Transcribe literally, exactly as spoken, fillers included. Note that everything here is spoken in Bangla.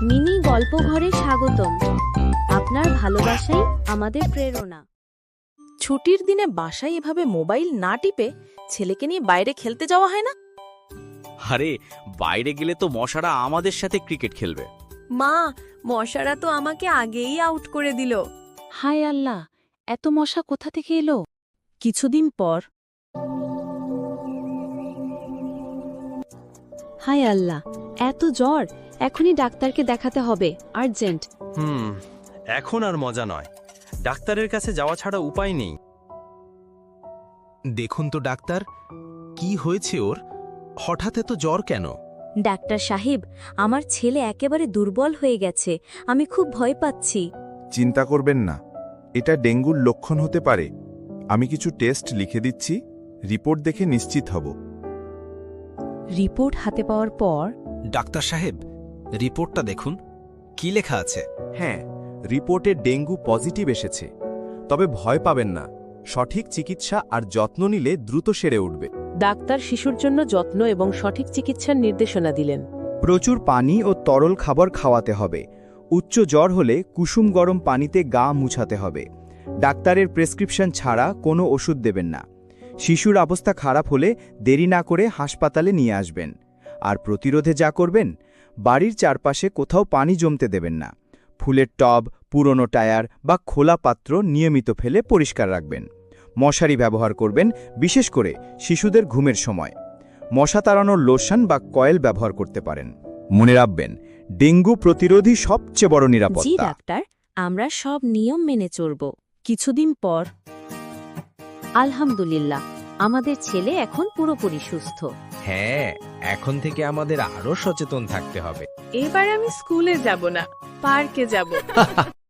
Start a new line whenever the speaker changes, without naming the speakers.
মিনি গল্প ঘরে স্বাগতম। আপনার ভালোবাসাই আমাদের প্রেরণা।
ছুটির দিনে বাসায় এভাবে মোবাইল না টিপে ছেলেকে নিয়ে বাইরে খেলতে যাওয়া হয় না?
আরে বাইরে গেলে তো মশারা আমাদের সাথে ক্রিকেট খেলবে।
মা, মশারা তো আমাকে আগেই আউট করে দিল।
হায় আল্লাহ, এত মশা কোথা থেকে এলো? কিছুদিন পর
হায় আল্লাহ, এত জ্বর! এখনই ডাক্তারকে দেখাতে হবে, আর্জেন্ট।
হুম এখন আর মজা নয়, ডাক্তারের কাছে যাওয়া ছাড়া উপায় নেই।
দেখুন তো ডাক্তার, কি হয়েছে ওর? হঠাৎ এত জ্বর কেন?
ডাক্তার সাহেব, আমার ছেলে একেবারে দুর্বল হয়ে গেছে। আমি খুব ভয় পাচ্ছি।
চিন্তা করবেন না, এটা ডেঙ্গুর লক্ষণ হতে পারে। আমি কিছু টেস্ট লিখে দিচ্ছি, রিপোর্ট দেখে নিশ্চিত হব।
রিপোর্ট হাতে পাওয়ার পর
ডাক্তার সাহেব, রিপোর্টটা দেখুন, কি লেখা আছে?
হ্যাঁ, রিপোর্টে ডেঙ্গু পজিটিভ এসেছে। তবে ভয় পাবেন না, সঠিক চিকিৎসা আর যত্ন নিলে দ্রুত সেরে উঠবে।
ডাক্তার শিশুর জন্য যত্ন এবং সঠিক চিকিৎসার নির্দেশনা দিলেন।
প্রচুর পানি ও তরল খাবার খাওয়াতে হবে। উচ্চ জ্বর হলে কুসুম গরম পানিতে গা মুছাতে হবে। ডাক্তারের প্রেসক্রিপশন ছাড়া কোনো ওষুধ দেবেন না। শিশুর অবস্থা খারাপ হলে দেরি না করে হাসপাতালে নিয়ে আসবেন। আর প্রতিরোধে যা করবেন, বাড়ির চারপাশে কোথাও পানি জমতে দেবেন না। ফুলের টব, পুরনো টায়ার বা খোলা পাত্র নিয়মিত ফেলে পরিষ্কার রাখবেন। মশারি ব্যবহার করবেন, বিশেষ করে শিশুদের ঘুমের সময়। মশা তাড়ানোর লোশন বা কয়েল ব্যবহার করতে পারেন। মনে রাখবেন, ডেঙ্গু প্রতিরোধী সবচেয়ে বড়
জি
নিরাপত্তা।
ডাক্তার, আমরা সব নিয়ম মেনে চলব।
কিছুদিন পর
আলহামদুলিল্লাহ, আমাদের ছেলে এখন পুরোপুরি সুস্থ।
হ্যাঁ, এখন থেকে আমাদের আরো সচেতন থাকতে হবে।
এবার আমি স্কুলে যাব না, পার্কে যাব।